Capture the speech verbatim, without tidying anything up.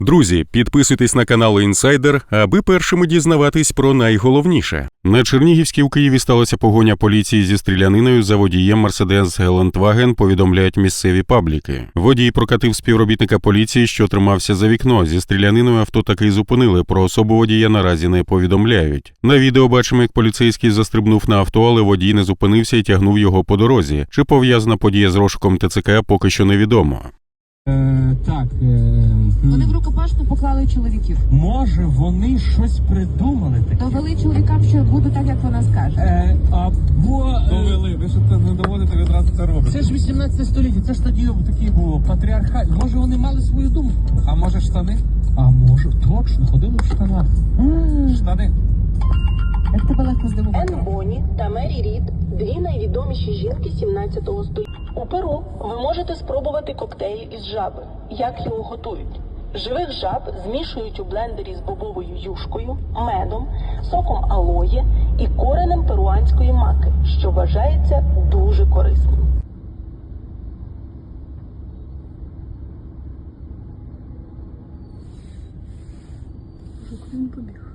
Друзі, підписуйтесь на канал Інсайдер, аби першими дізнаватись про найголовніше. На Чернігівській у Києві сталася погоня поліції зі стріляниною за водієм Mercedes Гелендваген, повідомляють місцеві пабліки. Водій прокатив співробітника поліції, що тримався за вікно. Зі стріляниною авто таки зупинили, про особу водія наразі не повідомляють. На відео бачимо, як поліцейський застрибнув на авто, але водій не зупинився і тягнув його по дорозі. Чи пов'язана подія з розшуком ТЦК, поки що невідомо. Е, так, е, Вони в рукопашну поклали чоловіків. може вони щось придумали таке? Довели чоловікам, що буде так, як вона скаже. Е, або... е, Довели, ви що це не доводите, ви одразу це робите. Це ж вісімнадцяте століття, це ж тоді такий був патріархат. Може вони мали свою думку? А може штани? А може, точно, ходили в штанах. Штани. Як тебе легко здивувати? Енн Бонні та Мері Рід – дві найвідоміші жінки сімнадцятого століття. У Перу ви можете спробувати коктейль із жаби. Як його готують? Живих жаб змішують у блендері з бобовою юшкою, медом, соком алоє і коренем перуанської маки, що вважається дуже корисним. Куди він побіг?